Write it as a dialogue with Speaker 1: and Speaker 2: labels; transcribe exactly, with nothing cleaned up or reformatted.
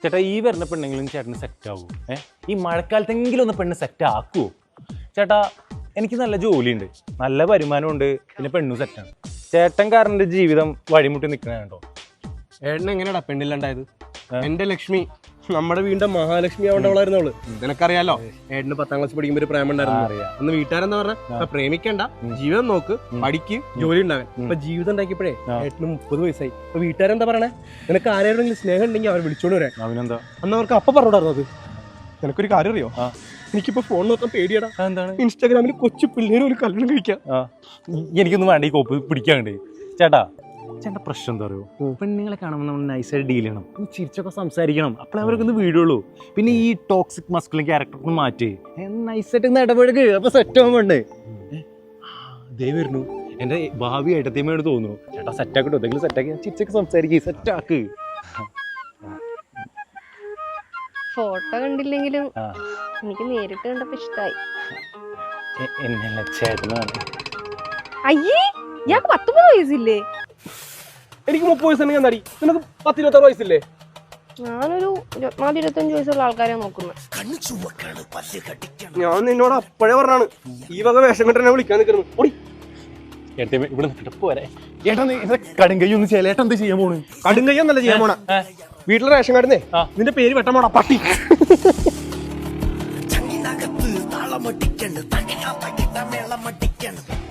Speaker 1: ചേട്ടാ ഈ വരുന്ന പെണ്ണെങ്കിലും ചേട്ടന് സെറ്റ് ആകുമോ? ഏഹ് ഈ മഴക്കാലത്തെങ്കിലും ഒന്ന് പെണ്ണ് സെറ്റ് ആക്കുമോ? ചേട്ടാ എനിക്ക് നല്ല ജോലിയുണ്ട്, നല്ല വരുമാനമുണ്ട്, പിന്നെ പെണ്ണും സെറ്റാണ്. ചേട്ടൻ കാരണം എൻ്റെ ജീവിതം വഴിമുട്ടി നിൽക്കണേ കേട്ടോ.
Speaker 2: ഏട്ടൻ എങ്ങനെയാടാ പെണ്ണില്ലാണ്ടായത്? എന്റെ ലക്ഷ്മി നമ്മുടെ വീടിന്റെ മഹാലക്ഷ്മി ആവേണ്ടവളായിരുന്നു അവള്. നിനക്കറിയാലോ ഏട്ടന് പത്താം ക്ലാസ് പഠിക്കുമ്പോ ഒരു പ്രേമം ഉണ്ടായിരുന്നു. അന്ന് വീട്ടുകാരെന്താ പറഞ്ഞ പ്രേമിക്കണ്ട, ജീവിതം നോക്ക്, പഠിക്ക്, ജോലി ഉണ്ടാകാൻ. ഇപ്പൊ ജീവിതം ഉണ്ടാക്കിയപ്പോഴേ ഏട്ടന് മുപ്പത് വയസ്സായി. അപ്പൊ വീട്ടുകാരെന്താ പറയണേ, നിനക്ക് ആരെങ്കിലും സ്നേഹം ഉണ്ടെങ്കിൽ അവർ വിളിച്ചോണ്ട് വരാൻ.
Speaker 1: അവനെന്താ
Speaker 2: അന്ന് അവർക്ക് അപ്പൊ പറഞ്ഞോടായിരുന്നത്. നിനക്കൊരു കാര്യം അറിയോ? എനിക്കിപ്പോ ഫോൺ നോക്കാൻ പേടിയടാ.
Speaker 1: എന്താണ്?
Speaker 2: ഇൻസ്റ്റാഗ്രാമിൽ കൊച്ചു പിള്ളേര് ഒരു കല്യാണം കഴിക്കാം.
Speaker 1: എനിക്കൊന്നും വേണ്ട ഈ കോപ്പ് പിടിക്കാണ്ട്. ചേട്ടാ ചേട്ടൻ്റെ പ്രശ്നം എന്താ പറയുക, പെണ്ണുങ്ങളെ കാണുമ്പോൾ നമ്മൾ നൈസായിട്ട് ഡീൽ ചെയ്യണം, ചിരിച്ചൊക്കെ സംസാരിക്കണം, അപ്പോഴേ അവർക്കൊന്ന് വീടുള്ളൂ. പിന്നെ ഈ ടോക്സിക് മസ്കുലിൻ ക്യാരക്ടർ മാറ്റി നൈസായിട്ട് ഒന്ന് ഇടപെടുക, അപ്പൊ സെറ്റ് ആവാൻ വേണ്ടേ. ദേ വരുന്നു എൻ്റെ ഭാവി ഏട്ടത്തിയമ്മയോട് തോന്നുന്നു. ചേട്ടാ സെറ്റാക്കിട്ടോ, എന്തെങ്കിലും സെറ്റാക്കി ചിരിച്ചൊക്കെ സംസാരിക്കുക, സെറ്റാക്ക്.
Speaker 3: ഫോട്ടോ കണ്ടില്ലെങ്കിലും എനിക്ക് നേരിട്ട് കണ്ടപ്പോ ഇഷ്ടായി.
Speaker 1: എന്നല്ല ചേട്ടനാണ്.
Speaker 3: അയ്യേ ഇയാൾക്ക് പത്തൊമ്പത് വയസ്സില്ലേ?
Speaker 2: എനിക്ക് മുപ്പത് വയസ്സുണ്ടെങ്കിൽ എന്താടി, നിനക്ക് പത്ത് ഇരുപത്താറ് വയസ്സില്ലേ?
Speaker 3: ഞാനൊരു ഇരുപത്തിനാല് ഇരുപത്തഞ്ച് വയസ്സുള്ള ആൾക്കാരെ നോക്കുന്നത്.
Speaker 2: ഞാൻ നിന്നോട് അപ്പോഴേ പറഞ്ഞാണ് ഈ വക വേഷം കെട്ടെ വിളിക്കാൻ നിൽക്കുന്നത്.
Speaker 1: ഇവിടെ പോരെ ഏട്ടാ, കടുങ്കൈ ഒന്ന് ചെയ്യല. ഏട്ടാ എന്താ ചെയ്യാൻ പോണ്?
Speaker 2: കടുങ്കയ്യൊന്നല്ല ചെയ്യാൻ പോണ, വീട്ടിലെ റേഷൻ കാർഡിനെ നിന്റെ പേര് വെട്ടമോടാ പട്ടി.
Speaker 4: താളമട്ടിക്കണ്ട് തകയാ തകിട്ട മേളമട്ടിക്കണ്ട്